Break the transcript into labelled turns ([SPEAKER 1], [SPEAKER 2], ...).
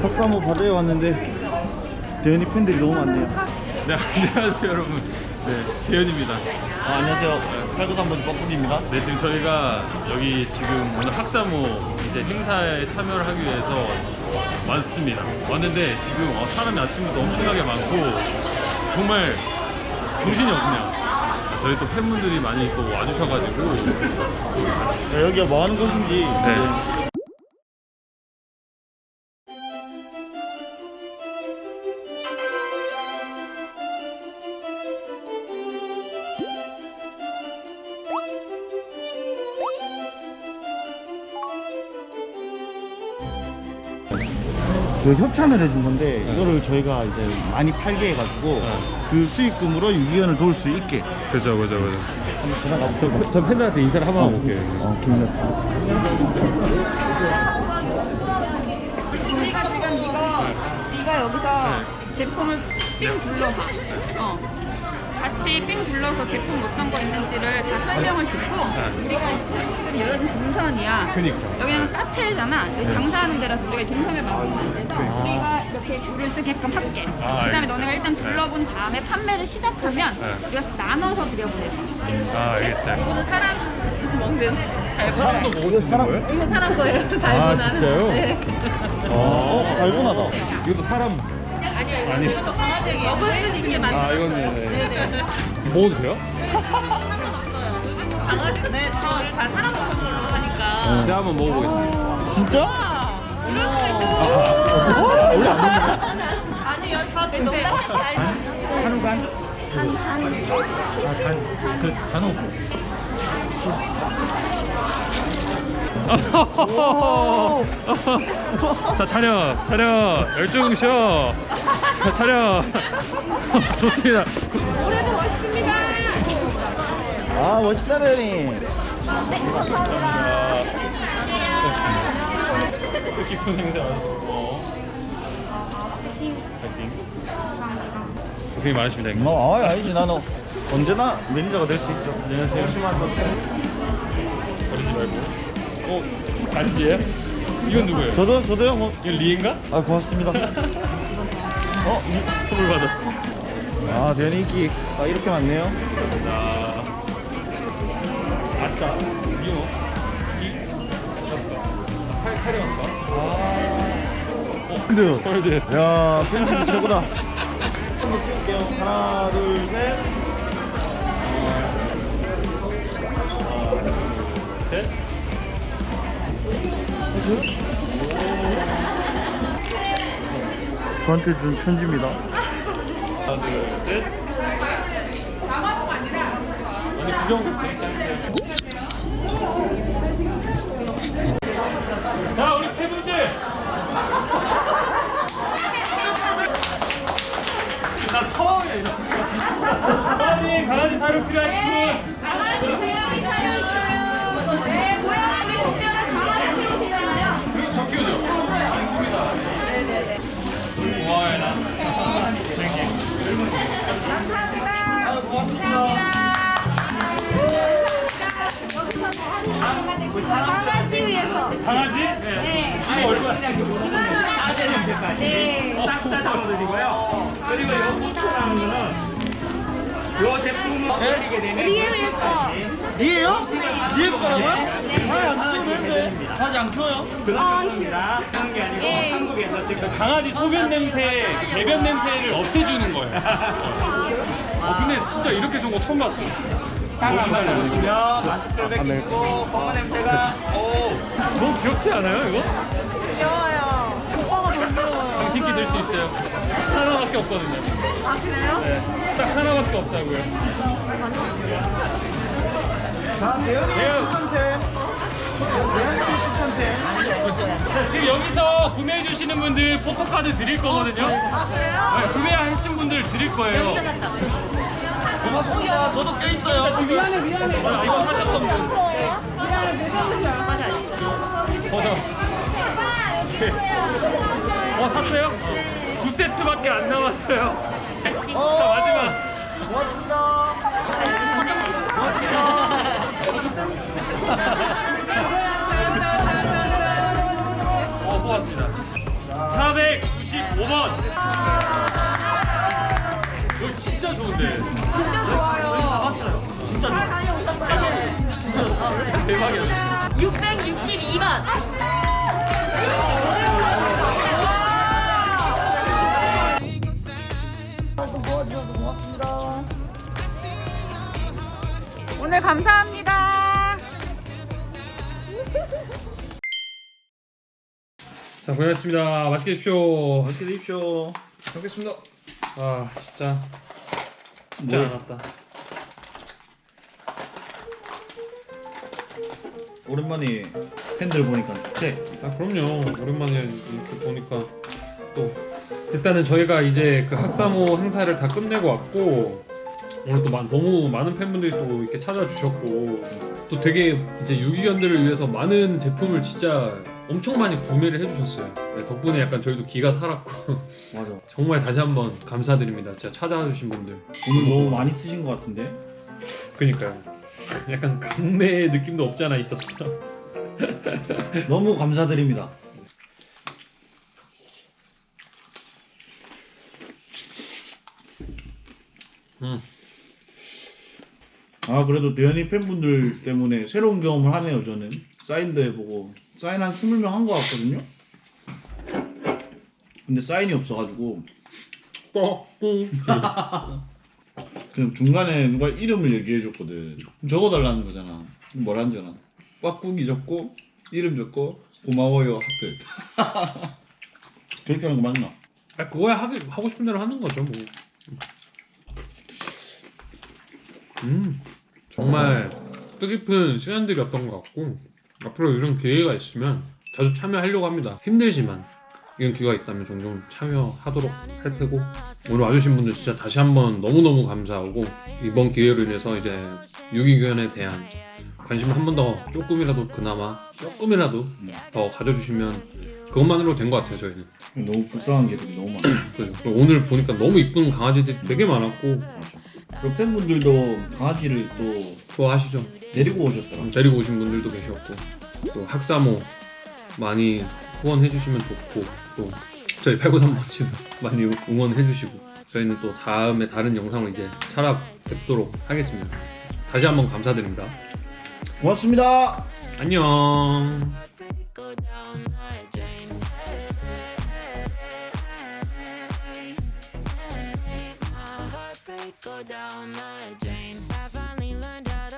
[SPEAKER 1] 박사모 바다에 왔는데 대현이 팬들이 너무 많네요.
[SPEAKER 2] 네, 안녕하세요 여러분. 네, 대현입니다.
[SPEAKER 1] 안녕하세요. 팔도산번 뻐꾸기입니다.
[SPEAKER 2] 네, 지금 저희가 여기 지금 오늘 학사모 이제 행사에 참여를 하기 위해서 왔습니다. 왔는데 지금 사람이 아침부터 엄청나게 많고 정말 정신이 없네요. 저희 또 팬분들이 많이 또 와주셔가지고.
[SPEAKER 1] 여기가 뭐 하는 곳인지.
[SPEAKER 2] 네.
[SPEAKER 1] 그 협찬을 해준 건데 이거를 저희가 이제 많이 팔게 해가지고 그 수익금으로 유기견을 도울 수 있게.
[SPEAKER 2] 그죠.
[SPEAKER 1] 한번 지나가 보세요.
[SPEAKER 2] 저 팬들한테 인사를 한번 하고 올게요.
[SPEAKER 1] 기분이
[SPEAKER 3] 우리가 지금 네가 여기서 제품을 삥 둘러봐. 같이 삥 둘러서 제품 어떤 거 있는지를 다 설명을 듣고 우리가 지금 여기는 동선이야.
[SPEAKER 2] 그니까.
[SPEAKER 3] 여기는 카페잖아. 여기 장사하는 데라서 우리가 동선을 만들면 안 돼서 우리가 이렇게 줄을 쓰게끔 할게. 그다음에
[SPEAKER 2] 알겠어요.
[SPEAKER 3] 너네가 일단 둘러본 다음에 판매를 시작하면 우리가 나눠서 들여보내서.
[SPEAKER 2] 알겠어요.
[SPEAKER 3] 이거는 사람 먹는
[SPEAKER 2] 사람도 먹을 수 있는 거예요?
[SPEAKER 3] 이거 사람 거예요. 달고나는.
[SPEAKER 2] 진짜요?
[SPEAKER 3] 네.
[SPEAKER 1] 달고나다.
[SPEAKER 2] 이것도 사람. 아니.
[SPEAKER 3] 이것도 강아지에게 먹을 수 있게 만든.
[SPEAKER 2] 이건 네. 먹어도 돼요?
[SPEAKER 3] 강아지는 다 사람 먹는 걸로 하니까.
[SPEAKER 2] 제가 한번 먹어보겠습니다.
[SPEAKER 1] 진짜?
[SPEAKER 3] 이럴 수도 있고.
[SPEAKER 1] 원래 안 먹는 거야?
[SPEAKER 3] 아니요, 다 농담.
[SPEAKER 1] 한우간?
[SPEAKER 2] 간호. 자, 차려 열중쇼. 자, 차려. 좋습니다.
[SPEAKER 3] 올해도 멋있습니다.
[SPEAKER 1] 멋지다 대현이.
[SPEAKER 2] 깊은 행사 하시고. 파이팅. 고생이 많으십니다.
[SPEAKER 1] 아니지. 나는 언제나 매니저가 될 수 있죠.
[SPEAKER 2] 안녕하세요. 버리지 말고. 반지예요? 이건 누구예요?
[SPEAKER 1] 저도요. 뭐.
[SPEAKER 2] 이건 리인가?
[SPEAKER 1] 고맙습니다.
[SPEAKER 2] 선물 받았어.
[SPEAKER 1] 대현이 인기 이렇게 많네요.
[SPEAKER 2] 자, 아시다. 이거
[SPEAKER 1] 근데요.
[SPEAKER 2] 서울대.
[SPEAKER 1] 야, 펜슬이 최고다. 한번 찍을게요. 하나, 둘, 셋.
[SPEAKER 2] 셋.
[SPEAKER 1] 저한테 준 편지입니다.
[SPEAKER 2] 하나, 둘, 셋. 오늘 구경 재밌게 하세요. 자, 우리 팬분들. 나 처음이야 이거. 강아지 사료 필요하신 분.
[SPEAKER 3] 강아지 고양이 사료 있어요. 네, 고양이 특별한 강아지 키우시잖아요.
[SPEAKER 2] 그리고 저 키우죠? 아닙니다. 네네네. 고마워요, 나.
[SPEAKER 3] 강아지 위해서.
[SPEAKER 2] 강아지? 네. 이거 얼마?
[SPEAKER 3] 네.
[SPEAKER 4] 싹다 잡아드리고요. 그리고 요거라는 거는 요 제품을 드리게 되면
[SPEAKER 3] 우리에 위해서.
[SPEAKER 1] 이에요? 이에 거라고요? 안 키우는데. 아직 안 키워요?
[SPEAKER 4] 그런 겁니다. 그런 게 아니고
[SPEAKER 3] 예.
[SPEAKER 4] 한국에서 지금
[SPEAKER 2] 강아지 소변 냄새, 배변 냄새를 없애주는 거예요. 근데 진짜 이렇게 좋은 거 처음 봤어.
[SPEAKER 4] 한번 해보시면 마스크를 벗기고 검은 냄새가
[SPEAKER 2] 너무 귀엽지 않아요, 이거?
[SPEAKER 3] 귀여워요. 오빠가 더 귀여워요.
[SPEAKER 2] 당신께 들 수 있어요. 하나밖에 없거든요.
[SPEAKER 3] 아, 그래요?
[SPEAKER 2] 네, 딱 하나밖에 없다고요.
[SPEAKER 1] 대현이 추천템.
[SPEAKER 2] 자, 지금 여기서 구매해 주시는 분들 포토카드 드릴 거거든요.
[SPEAKER 3] 아, 그래요?
[SPEAKER 2] 네, 구매하신 분들 드릴 거예요.
[SPEAKER 1] 고맙습니다. 저도 껴 있어요.
[SPEAKER 3] 미안해.
[SPEAKER 2] 아, 이거 사셨던 분.
[SPEAKER 3] 미안해. 매장은 얼마까지 아니죠?
[SPEAKER 2] 버전. 샀어요? 2세트밖에 안 남았어요. 자, 마지막.
[SPEAKER 1] 고맙습니다.
[SPEAKER 2] 고맙습니다. 400 진짜 좋은데.
[SPEAKER 3] 진짜 좋아요.
[SPEAKER 1] 진짜
[SPEAKER 3] 잘 다녀오셨어요.
[SPEAKER 2] 진짜 대박이야.
[SPEAKER 3] 662만. 오늘 감사합니다.
[SPEAKER 2] 자, 고생하셨습니다. 맛있게 드십시오.
[SPEAKER 1] 맛있게 드십시오.
[SPEAKER 2] 잘 먹겠습니다. 아, 진짜
[SPEAKER 1] 뭘?
[SPEAKER 2] 많았다.
[SPEAKER 1] 오랜만에 팬들 보니까 좋대.
[SPEAKER 2] 아, 그럼요. 오랜만에 이렇게 보니까 또 일단은 저희가 이제 그 학사모 행사를 다 끝내고 왔고 오늘 또 너무 많은 팬분들이 또 이렇게 찾아주셨고 또 되게 이제 유기견들을 위해서 많은 제품을 진짜 엄청 많이 구매를 해주셨어요. 네, 덕분에 약간 저희도 기가 살았고
[SPEAKER 1] 맞아.
[SPEAKER 2] 정말 다시 한번 감사드립니다. 진짜 찾아주신 분들.
[SPEAKER 1] 오늘 너무 많이 쓰신 것 같은데.
[SPEAKER 2] 그니까요. 약간 강매 느낌도 없지 않아 있었어.
[SPEAKER 1] 너무 감사드립니다. 아 그래도 대현이 팬분들 때문에 새로운 경험을 하네요. 저는 사인도 해보고 사인 한 20명 한 것 같거든요. 근데 사인이 없어가지고 그냥 중간에 누가 이름을 얘기해줬거든. 적어달라는 거잖아. 뭐라는 줄 알아? 꽉꾸기 적고 이름 적고 고마워요 하트. 그렇게 하는 거 맞나?
[SPEAKER 2] 아, 그거야 하고 싶은 대로 하는 거죠 뭐. 정말 뜻깊은 시간들이었던 것 같고 앞으로 이런 기회가 있으면 자주 참여하려고 합니다. 힘들지만 이런 기회가 있다면 종종 참여하도록 할 테고 오늘 와주신 분들 진짜 다시 한번 너무너무 감사하고 이번 기회로 인해서 이제 유기견에 대한 관심을 한 번 더 조금이라도 그나마 조금이라도 더 가져주시면 그것만으로 된 것 같아요. 저희는.
[SPEAKER 1] 너무 불쌍한 개들이 너무 많아.
[SPEAKER 2] 그리고 오늘 보니까 너무 이쁜 강아지들이 되게 많았고
[SPEAKER 1] 그 팬분들도 강아지를 또
[SPEAKER 2] 좋아하시죠?
[SPEAKER 1] 데리고 오셨더라고요.
[SPEAKER 2] 데리고 오신 분들도 계셨고 또 학사모 많이 후원해주시면 좋고 또 저희 893 멋지도 많이 응원해주시고 저희는 또 다음에 다른 영상을 이제 찾아뵙도록 하겠습니다. 다시 한번 감사드립니다.
[SPEAKER 1] 고맙습니다.
[SPEAKER 2] 안녕.
[SPEAKER 5] Go down the drain.